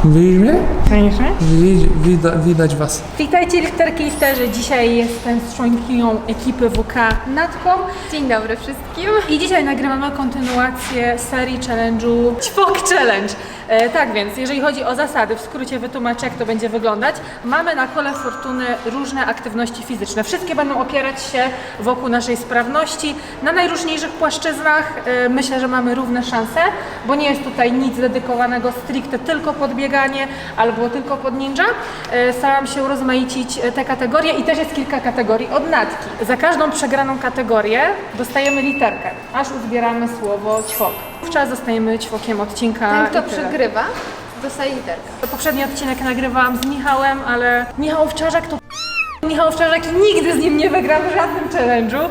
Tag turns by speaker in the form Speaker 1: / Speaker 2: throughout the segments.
Speaker 1: Widzisz mnie?
Speaker 2: Koniecznie?
Speaker 1: Widać was.
Speaker 2: Witajcie lifterki, lifterzy. Dzisiaj jestem z członkinią ekipy WK Natką.
Speaker 3: Dzień dobry wszystkim.
Speaker 2: I dzisiaj nagrywamy kontynuację serii challenge'u Ćwok Challenge. Tak więc, jeżeli chodzi o zasady, w skrócie wytłumaczę, jak to będzie wyglądać. Mamy na kole fortuny różne aktywności fizyczne. Wszystkie będą opierać się wokół naszej sprawności. Na najróżniejszych płaszczyznach myślę, że mamy równe szanse, bo nie jest tutaj nic dedykowanego stricte tylko pod bieganie albo tylko pod ninja. Starałam się urozmaicić te kategorie i też jest kilka kategorii od Natki. Za każdą przegraną kategorię dostajemy literkę, aż uzbieramy słowo ćwok. Wówczas dostajemy ćwokiem odcinka.
Speaker 3: Ten, kto
Speaker 2: i tyle.
Speaker 3: przegrywa, dostaje literkę.
Speaker 2: Poprzedni odcinek nagrywałam z Michałem, ale Michał Owczarzak to Michał Owczarzak i nigdy z nim nie wygram w żadnym challenge'u.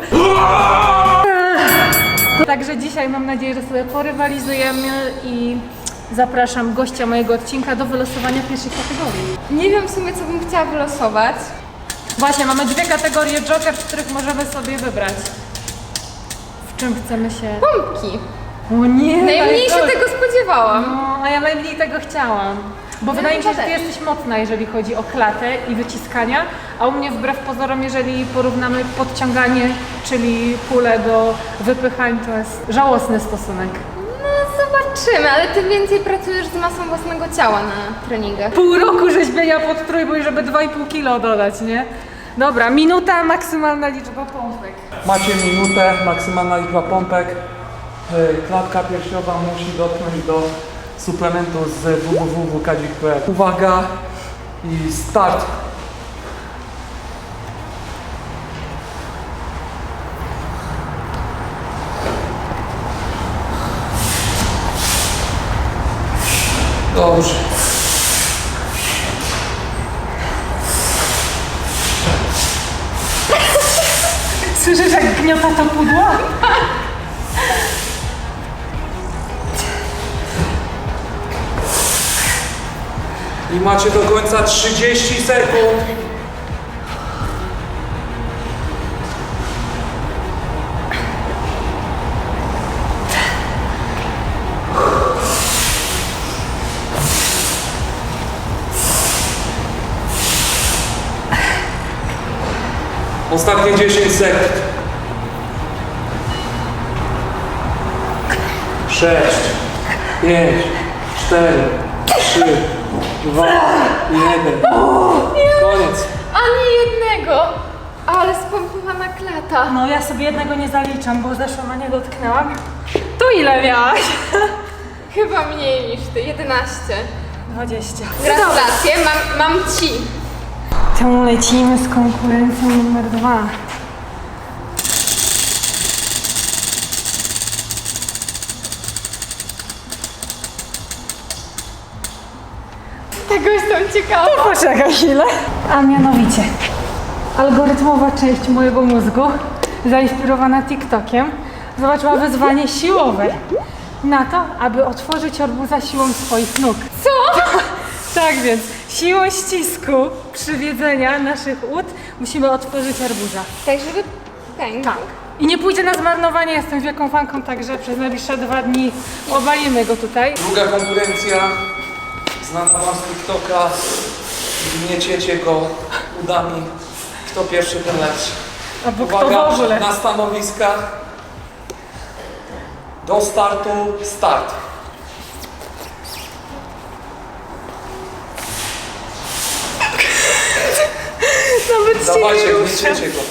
Speaker 2: Także dzisiaj mam nadzieję, że sobie porywalizujemy i zapraszam gościa mojego odcinka do wylosowania pierwszej kategorii.
Speaker 3: Nie wiem w sumie, co bym chciała wylosować.
Speaker 2: Właśnie, mamy dwie kategorie Joker, w których możemy sobie wybrać. W czym chcemy się...
Speaker 3: Pompki.
Speaker 2: O nie!
Speaker 3: Najmniej się tego spodziewałam.
Speaker 2: No, a ja najmniej tego chciałam. Bo wydaje mi się, że ty jesteś mocna, jeżeli chodzi o klatę i wyciskania, a u mnie wbrew pozorom, jeżeli porównamy podciąganie, czyli pulę do wypychań, to jest żałosny stosunek.
Speaker 3: No zobaczymy, ale ty więcej pracujesz z masą własnego ciała na treningach.
Speaker 2: Pół roku rzeźbienia pod trójbój, żeby 2,5 kilo dodać, nie? Dobra, minuta, maksymalna liczba pompek.
Speaker 1: Macie minutę, maksymalna liczba pompek. Klatka piersiowa musi dotknąć do suplementu z www.kadzik.pl. Uwaga i start! Dobrze.
Speaker 2: Słyszysz, jak gniota to pudło?
Speaker 1: I macie do końca 30 sekund. Ostatnie 10 sekund. 6, 5, 4, 3, 2, 1. Koniec.
Speaker 3: Ani jednego! Ale spompowana klata.
Speaker 2: No ja sobie jednego nie zaliczam, bo zeszłą na nie dotknęłam. To ile miałaś?
Speaker 3: Chyba mniej niż ty, 11.
Speaker 2: 20.
Speaker 3: Gratulacje, mam ci.
Speaker 2: To lecimy z konkurencją numer 2.
Speaker 3: Tego jestem ciekawa.
Speaker 2: Poczekaj chwilę. A mianowicie, algorytmowa część mojego mózgu, zainspirowana TikTokiem, zobaczyła wyzwanie siłowe na to, aby otworzyć arbuza siłą swoich nóg.
Speaker 3: Co?
Speaker 2: Tak więc, siłą ścisku przywiedzenia naszych ud musimy otworzyć arbuza.
Speaker 3: Tak, żeby pękł.
Speaker 2: Tak. I nie pójdzie na zmarnowanie, jestem wielką fanką, także przez najbliższe 2 dni obalimy go tutaj.
Speaker 1: Druga konkurencja, znana wam z TikToka, gnieciecie go udami, kto pierwszy ten lepszy.
Speaker 2: Albo kto w
Speaker 1: Uwaga,
Speaker 2: ogóle.
Speaker 1: na stanowiskach, do startu, start.
Speaker 2: Nawet się
Speaker 1: Dawajcie,
Speaker 2: nie ruszę.
Speaker 1: gnieciecie go.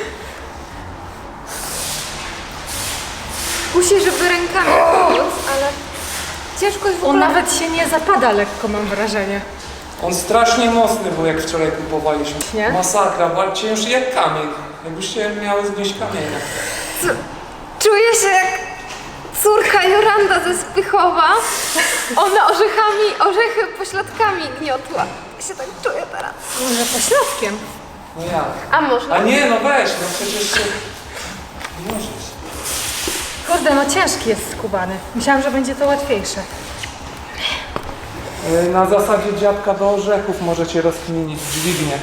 Speaker 3: Kusi, żeby rękami pomóc, ale ciężko jest w
Speaker 2: On
Speaker 3: ogóle...
Speaker 2: nawet się nie zapada lekko, mam wrażenie.
Speaker 1: On strasznie mocny był, jak wczoraj kupowaliśmy.
Speaker 2: Nie?
Speaker 1: Masakra, walczcie już jak kamień. Jakbyście miały znieść kamienia.
Speaker 3: Czuję się jak córka Joranda ze Spychowa. Ona orzechy pośladkami gniotła. Ja się tak czuję teraz.
Speaker 2: Może pośladkiem.
Speaker 1: No jak?
Speaker 3: A można?
Speaker 1: A nie, no weź, no przecież się... Nie możesz.
Speaker 2: Kurde, no ciężki jest skubany. Myślałam, że będzie to łatwiejsze.
Speaker 1: Na zasadzie dziadka do orzechów możecie rozkminić dźwignię.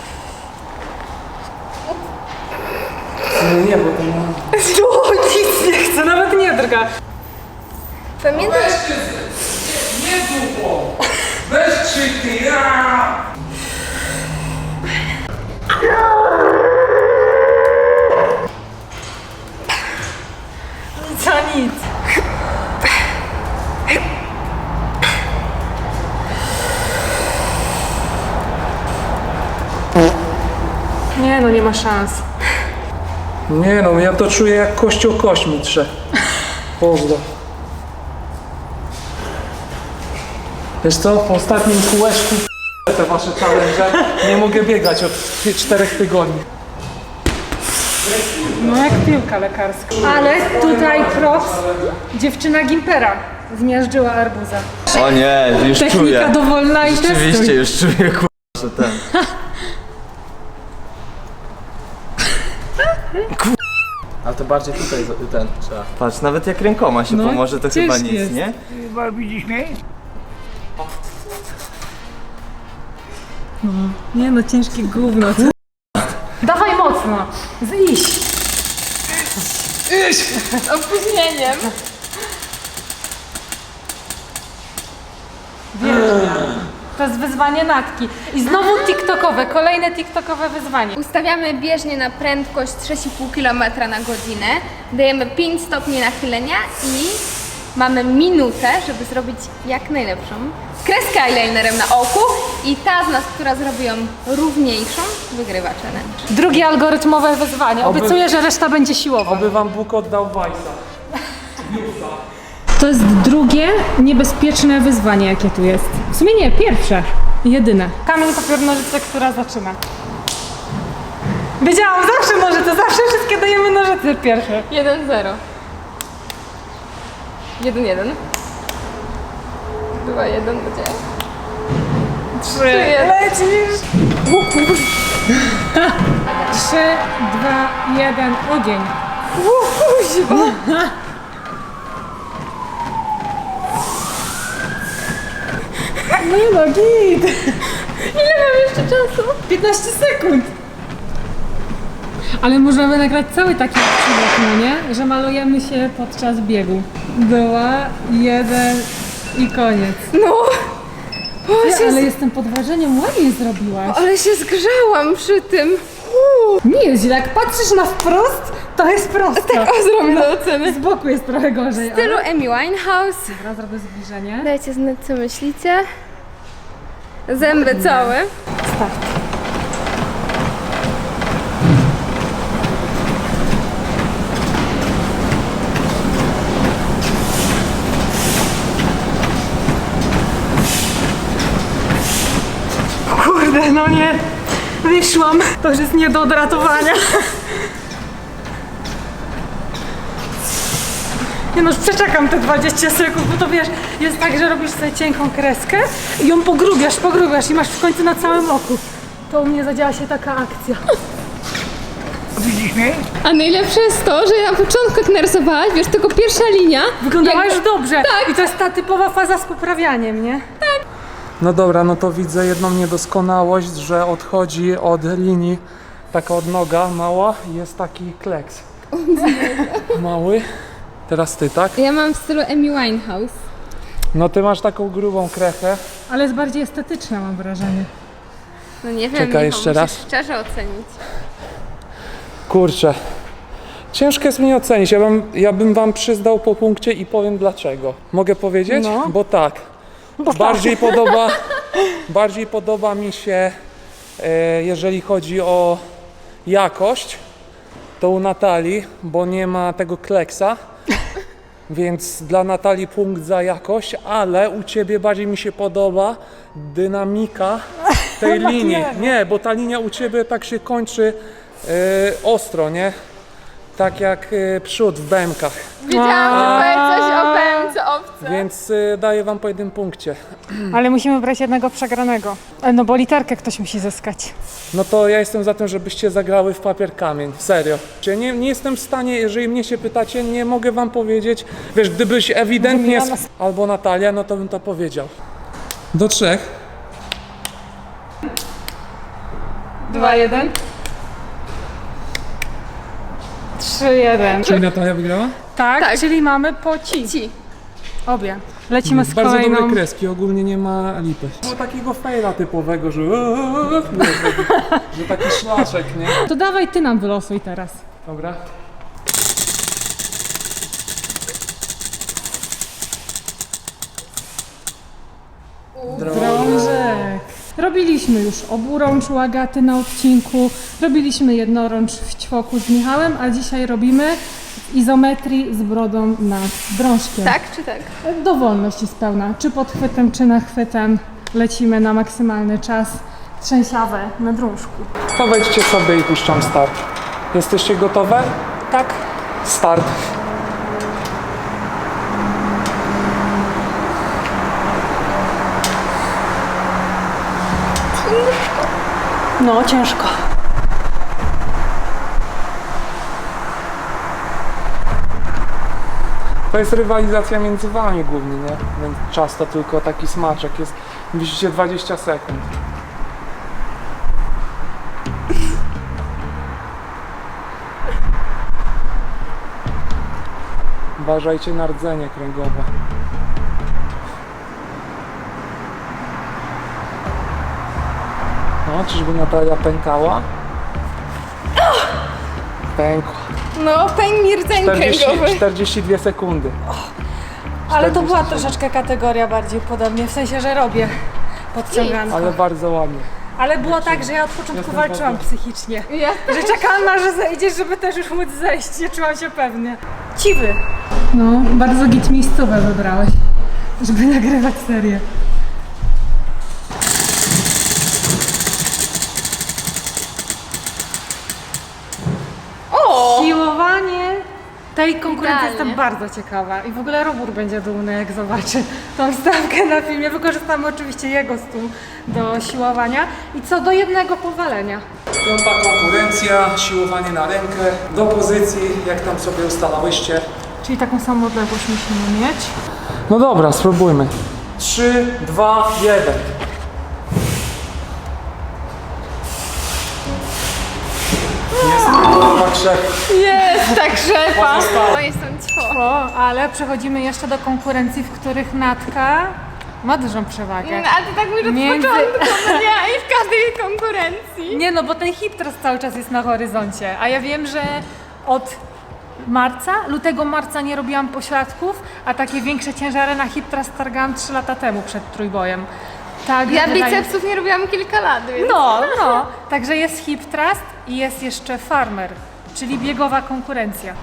Speaker 1: Nie, bo to nie...
Speaker 2: No, nic nie chcę, nawet nie drga.
Speaker 3: Pamiętasz?
Speaker 1: Weźcie, nie dupą! Weź szybciej! Aaa!
Speaker 2: Co nic. Nie no, nie ma szans.
Speaker 1: Nie no, ja to czuję jak kościół kośmi trze. Pozdro. Wiesz co, po ostatnim kółeczku te wasze challenge nie mogę biegać od 4 tygodni.
Speaker 2: No jak piłka lekarska. Ale tutaj props, dziewczyna Gimpera zmiażdżyła arbuza.
Speaker 4: O nie, już
Speaker 2: Technika
Speaker 4: czuję.
Speaker 2: dowolna i
Speaker 4: Rzeczywiście
Speaker 2: testuj.
Speaker 4: już czuję, kurwa, że ten. A to bardziej tutaj ten trzeba. Patrz, nawet jak rękoma się
Speaker 2: No,
Speaker 4: pomoże, to chyba
Speaker 2: ciężki
Speaker 4: nic,
Speaker 2: jest.
Speaker 4: nie?
Speaker 2: Nie no, ciężkie gówno. Dawaj mocno. Iść.
Speaker 3: Z opóźnieniem.
Speaker 2: To jest wyzwanie Natki. I znowu TikTokowe, kolejne TikTokowe wyzwanie.
Speaker 3: Ustawiamy bieżnię na prędkość 6,5 km na godzinę. Dajemy 5 stopni nachylenia i mamy minutę, żeby zrobić jak najlepszą kreskę eyelinerem na oku. I ta z nas, która zrobi ją równiejszą, wygrywa challenge.
Speaker 2: Drugie algorytmowe wyzwanie. Obiecuję, że reszta będzie siłowa.
Speaker 1: Oby wam Bóg oddał Wajsa.
Speaker 2: To jest drugie niebezpieczne wyzwanie, jakie tu jest. W sumie nie, pierwsze. Jedyne. Kamień, papier, nożyce, która zaczyna. Wiedziałam, zawsze nożyce, zawsze wszystkie dajemy nożyce pierwsze.
Speaker 3: 1-0. 1-1. 2-1 będzie.
Speaker 2: 3,
Speaker 3: 3-1.
Speaker 2: lecisz! 3, 2, 1, ogień. Nie no, git!
Speaker 3: Ile mam jeszcze czasu?
Speaker 2: 15 sekund! Ale możemy nagrać cały taki odcinek, no nie? Że malujemy się podczas biegu. 2, 1 i koniec.
Speaker 3: No!
Speaker 2: Ja, ale jestem pod wrażeniem, ładnie zrobiłaś.
Speaker 3: Ale się zgrzałam przy tym.
Speaker 2: Nie jest źle, jak patrzysz na wprost, to jest prosto.
Speaker 3: Tak, o, zrobię do oceny.
Speaker 2: Z boku jest trochę gorzej.
Speaker 3: W stylu Amy Winehouse.
Speaker 2: Dobra, zrobię zbliżenie.
Speaker 3: Dajcie znać, co myślicie. Zęby całe.
Speaker 2: Start. Kurde, no nie. Wyszłam. To już jest nie do odratowania. Nie no, już przeczekam te 20 sekund, bo to wiesz, jest tak, że robisz sobie cienką kreskę i ją pogrubiasz i masz w końcu na całym oku. To u mnie zadziała się taka akcja.
Speaker 3: A najlepsze jest to, że na początku jak narysowałaś, wiesz, tylko pierwsza linia.
Speaker 2: Wyglądała
Speaker 3: jakby-
Speaker 2: już dobrze.
Speaker 3: Tak.
Speaker 2: I to jest ta typowa faza z poprawianiem, nie?
Speaker 1: No dobra, no to widzę jedną niedoskonałość, że odchodzi od linii taka odnoga mała i jest taki kleks. Mały. Teraz ty, tak?
Speaker 3: Ja mam w stylu Amy Winehouse.
Speaker 1: No ty masz taką grubą krechę.
Speaker 2: Ale jest bardziej estetyczna, mam wrażenie.
Speaker 3: No nie wiem,
Speaker 1: Czekaj,
Speaker 3: Michał,
Speaker 1: jeszcze
Speaker 3: musisz
Speaker 1: raz.
Speaker 3: szczerze ocenić.
Speaker 1: Kurczę. Ciężko jest mnie ocenić. Ja bym wam przyznał po punkcie i powiem dlaczego. Mogę powiedzieć?
Speaker 2: No.
Speaker 1: Bo tak. Bardziej podoba mi się, jeżeli chodzi o jakość, to u Natalii, bo nie ma tego kleksa. Więc dla Natalii punkt za jakość, ale u ciebie bardziej mi się podoba dynamika tej linii. Nie, bo ta linia u ciebie tak się kończy ostro, nie? Tak jak przód w BM-kach.
Speaker 3: Wiedziałam, że powie coś o pęce owce.
Speaker 1: Więc daję wam po jednym punkcie.
Speaker 2: Ale musimy brać jednego przegranego. No bo literkę ktoś musi zyskać.
Speaker 1: No to ja jestem za tym, żebyście zagrały w papier kamień. Serio. Nie jestem w stanie, jeżeli mnie się pytacie, nie mogę wam powiedzieć. Wiesz, gdybyś ewidentnie albo Natalia, no to bym to powiedział. Do 3.
Speaker 2: 2, 1. 3, 1.
Speaker 1: Czyli Natalia wygrała?
Speaker 2: Tak,
Speaker 3: Tak.
Speaker 2: czyli mamy po ci.
Speaker 3: Ci.
Speaker 2: Obie. Lecimy z
Speaker 1: Bardzo
Speaker 2: kolejną.
Speaker 1: dobre kreski, ogólnie nie ma lipy. No takiego fejla typowego, że że taki szlaczek, nie?
Speaker 2: To dawaj ty nam wylosuj teraz.
Speaker 1: Dobra.
Speaker 2: Drążek. Robiliśmy już oburącz u Agaty na odcinku, robiliśmy jednorącz w ćwoku z Michałem, a dzisiaj robimy w izometrii z brodą nad drążkiem.
Speaker 3: Tak czy tak?
Speaker 2: Dowolność jest pełna, czy podchwytem, czy nachwytem. Lecimy na maksymalny czas. Trzęsiawę na drążku.
Speaker 1: To wejdźcie sobie i puszczam start. Jesteście gotowe?
Speaker 2: Tak.
Speaker 1: Start.
Speaker 2: No, ciężko.
Speaker 1: To jest rywalizacja między wami głównie, nie? Więc czas to tylko taki smaczek jest. Widzicie 20 sekund. Uważajcie na rdzenie kręgowe. No, czyżby Natalia pękała? Pękła.
Speaker 3: No, pęk mi rdzeń kręgowy.
Speaker 1: 42 sekundy.
Speaker 2: Ale to była
Speaker 1: 47.
Speaker 2: troszeczkę kategoria bardziej podobnie, w sensie, że robię podciąganko.
Speaker 1: Ale bardzo ładnie.
Speaker 2: Ale było tak, że ja od początku
Speaker 1: Jestem
Speaker 2: walczyłam
Speaker 1: bardzo-
Speaker 2: psychicznie.
Speaker 3: Ja
Speaker 2: Że czekałam aż zejdziesz, żeby też już móc zejść. Nie czułam się pewnie. Ciwy. No, bardzo git miejscowe wybrałeś, żeby nagrywać serię. Siłowanie tej konkurencji
Speaker 3: Idealnie.
Speaker 2: jestem bardzo ciekawa i w ogóle Robur będzie dumny, jak zobaczy tą wstawkę na filmie. Wykorzystamy oczywiście jego stół do siłowania i co do jednego powalenia.
Speaker 1: Piąta konkurencja, siłowanie na rękę, do pozycji, jak tam sobie ustalałyście.
Speaker 2: Czyli taką samą odległość musimy mieć.
Speaker 1: No dobra, spróbujmy. 3, 2, 1. Jest to krzew.
Speaker 3: Jest tak rzepa.
Speaker 1: Pozostało.
Speaker 3: No jestem ćwo.
Speaker 2: O, ale przechodzimy jeszcze do konkurencji, w których Natka ma dużą przewagę.
Speaker 3: A ty tak mówisz od
Speaker 2: Między-
Speaker 3: początku, no nie? I w każdej konkurencji.
Speaker 2: Nie no, bo ten hip teraz cały czas jest na horyzoncie, a ja wiem, że od lutego marca nie robiłam pośladków, a takie większe ciężary na hip trust targałam 3 lata temu przed trójbojem. Tak,
Speaker 3: Ja
Speaker 2: wydaje-
Speaker 3: bicepsów nie robiłam kilka lat, więc...
Speaker 2: No. Także jest hip trust i jest jeszcze farmer, czyli biegowa konkurencja.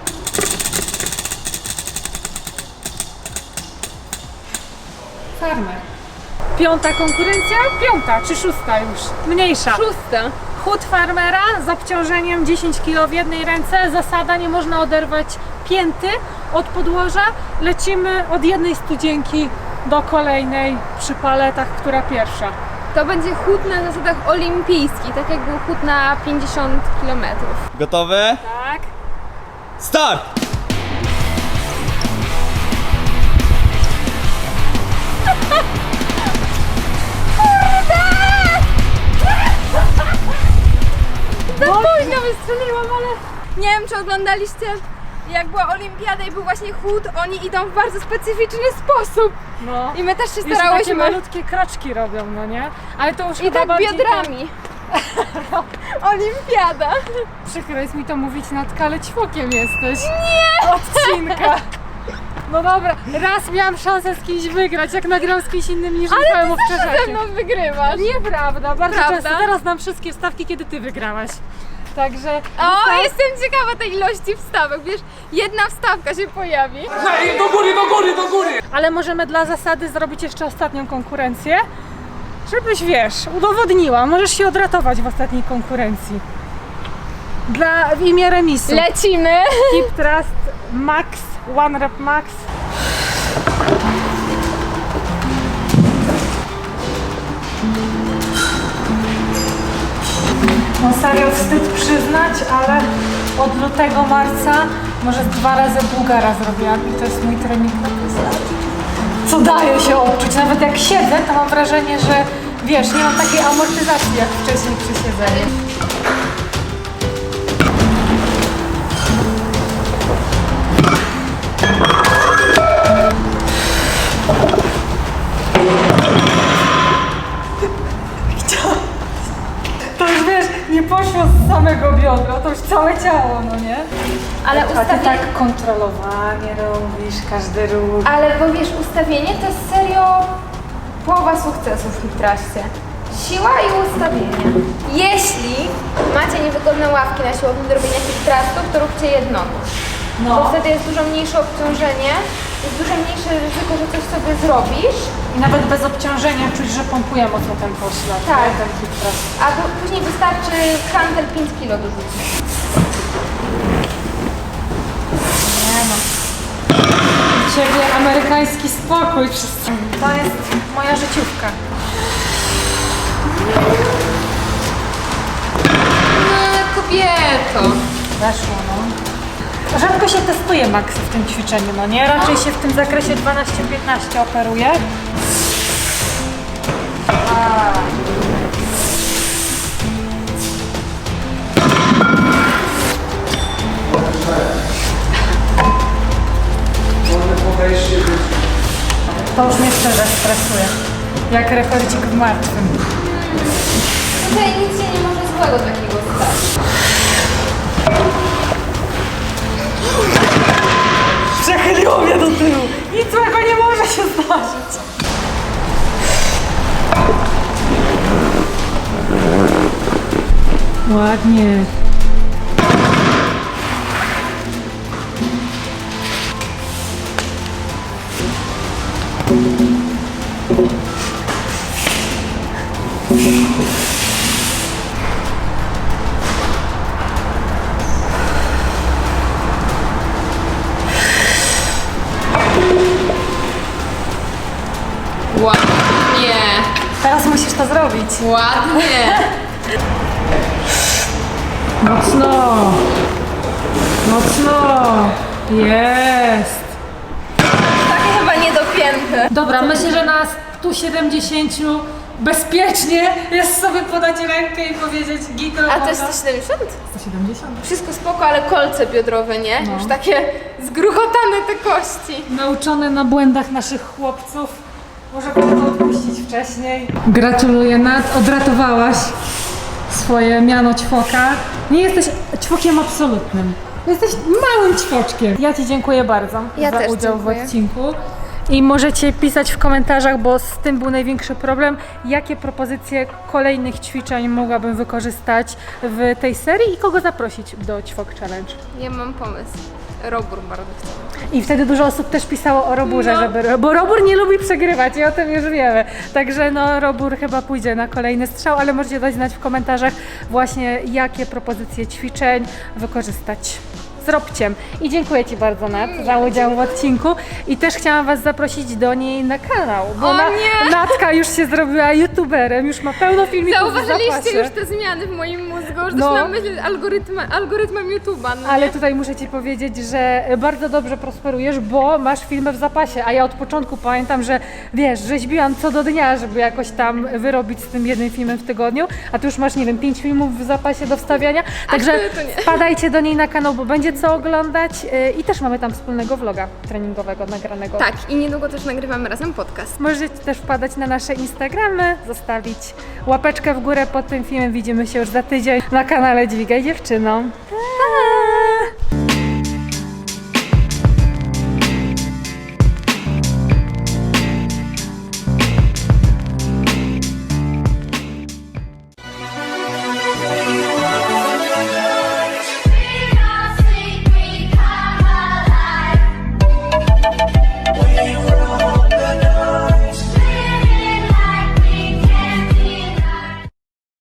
Speaker 2: Farmer. Piąta konkurencja? Piąta czy szósta już? Mniejsza.
Speaker 3: Szósta.
Speaker 2: Chód farmera z obciążeniem 10 kg w jednej ręce. Zasada, nie można oderwać pięty od podłoża. Lecimy od jednej studzienki do kolejnej przy paletach, która pierwsza.
Speaker 3: To będzie chód na zasadach olimpijskich, tak jak był chód na 50 km.
Speaker 4: Gotowe?
Speaker 2: Tak.
Speaker 4: Start!
Speaker 3: Za późno wystrzeliłam, ale... Nie wiem, czy oglądaliście, jak była olimpiada i był właśnie chód, oni idą w bardzo specyficzny sposób.
Speaker 2: No.
Speaker 3: I my też się
Speaker 2: Jeszcze takie
Speaker 3: starałyśmy.
Speaker 2: malutkie kroczki robią, no nie? Ale to już
Speaker 3: I
Speaker 2: chyba
Speaker 3: tak
Speaker 2: bardziej
Speaker 3: biodrami. Olimpiada.
Speaker 2: Przykro jest mi to mówić, Natka, ale ćwokiem jesteś. Nie! Odcinka. No dobra, raz miałam szansę z kimś wygrać, jak nagrałam z kimś innym niż Michałem
Speaker 3: Ze
Speaker 2: Owczarzewskim.
Speaker 3: mną wygrywasz.
Speaker 2: Nieprawda, bardzo
Speaker 3: Prawda?
Speaker 2: często. Teraz znam wszystkie wstawki, kiedy ty wygrałaś. Także...
Speaker 3: O, jestem ciekawa tej ilości wstawek. Wiesz, jedna wstawka się pojawi.
Speaker 1: Ej, do góry, do góry, do góry!
Speaker 2: Ale możemy dla zasady zrobić jeszcze ostatnią konkurencję, żebyś, wiesz, udowodniła. Możesz się odratować w ostatniej konkurencji. W imię remisu.
Speaker 3: Lecimy.
Speaker 2: Hip thrust max, one rep max. No serio, wstyd przyznać, ale od lutego, marca może 2 razy Bułgara zrobiłam i to jest mój trening na plecach. Co daje się odczuć, nawet jak siedzę, to mam wrażenie, że wiesz, nie mam takiej amortyzacji jak wcześniej przy siedzeniu. weszło z samego biodra, to już całe ciało, no nie?
Speaker 3: Ale
Speaker 2: A ty
Speaker 3: ustawienie...
Speaker 2: tak kontrolowanie robisz, każdy ruch.
Speaker 3: Ale bo wiesz, ustawienie to jest serio połowa sukcesu w Hitraście. Siła i ustawienie. Jeśli macie niewygodne ławki na siłowni do robienia Hitrastów, to róbcie jednonóż. Bo
Speaker 2: No.
Speaker 3: wtedy jest dużo mniejsze obciążenie, jest dużo mniejsze ryzyko, że coś sobie zrobisz,
Speaker 2: I nawet bez obciążenia czuć, że pompuje mocno ten poślad.
Speaker 3: Tak.
Speaker 2: nie? Ten hitras.
Speaker 3: a później wystarczy hantel 5 kg dorzucić.
Speaker 2: Nie no. Ciebie amerykański spokój wszyscy. To jest moja życiówka.
Speaker 3: No kobieto.
Speaker 2: Weszło, no. Rzadko się testuje maksy w tym ćwiczeniu, no nie? Raczej się w tym zakresie 12-15 operuje. To już mnie szczerze stresuje. Jak rekordzik w martwym.
Speaker 3: Tutaj nic się nie może złego takiego stać.
Speaker 2: Przechyliło mnie do tyłu. Nic złego nie może się zdarzyć. Ładnie.
Speaker 3: Ładnie.
Speaker 2: Teraz musisz to zrobić.
Speaker 3: Ładnie.
Speaker 2: Mocno. Mocno. Jest.
Speaker 3: Takie chyba niedopięte.
Speaker 2: Dobra, myślę, że na 170 bezpiecznie jest sobie podać rękę i powiedzieć git
Speaker 3: A to
Speaker 2: robota.
Speaker 3: jest 170?
Speaker 2: 170.
Speaker 3: Wszystko spoko, ale kolce biodrowe, nie? Już takie zgruchotane te kości.
Speaker 2: Nauczone na błędach naszych chłopców. Może było to odpuścić wcześniej. Gratuluję, Nat, odratowałaś swoje miano ćwoka. Nie jesteś ćwokiem absolutnym. Jesteś małym ćwoczkiem. Ja Ci dziękuję bardzo
Speaker 3: Ja
Speaker 2: za
Speaker 3: też
Speaker 2: udział
Speaker 3: dziękuję.
Speaker 2: w odcinku. I możecie pisać w komentarzach, bo z tym był największy problem, jakie propozycje kolejnych ćwiczeń mogłabym wykorzystać w tej serii i kogo zaprosić do Ćwok Challenge.
Speaker 3: Ja mam pomysł. Robór bardzo chcę.
Speaker 2: I wtedy dużo osób też pisało o Roburze, bo Robur nie lubi przegrywać i o tym już wiemy. Także no Robur chyba pójdzie na kolejny strzał, ale możecie dać znać w komentarzach właśnie jakie propozycje ćwiczeń wykorzystać. Zróbcie. I dziękuję Ci bardzo, Nat, za udział w odcinku. I też chciałam Was zaprosić do niej na kanał, bo
Speaker 3: O nie!
Speaker 2: Natka już się zrobiła youtuberem, już ma pełno filmików w
Speaker 3: Zauważyliście
Speaker 2: zapasie.
Speaker 3: już te zmiany w moim mózgu, że
Speaker 2: No.
Speaker 3: zaczynam myśleć algorytmem YouTube'a. No
Speaker 2: Ale
Speaker 3: nie?
Speaker 2: tutaj muszę Ci powiedzieć, że bardzo dobrze prosperujesz, bo masz filmy w zapasie, a ja od początku pamiętam, że wiesz, rzeźbiłam co do dnia, żeby jakoś tam wyrobić z tym jednym filmem w tygodniu, a Ty już masz, nie wiem, 5 filmów w zapasie do wstawiania, także
Speaker 3: to nie.
Speaker 2: wpadajcie do niej na kanał, bo będzie co oglądać i też mamy tam wspólnego vloga treningowego nagranego.
Speaker 3: Tak, i niedługo też nagrywamy razem podcast.
Speaker 2: Możecie też wpadać na nasze Instagramy, zostawić łapeczkę w górę pod tym filmem, widzimy się już za tydzień na kanale Dźwigaj Dziewczyno.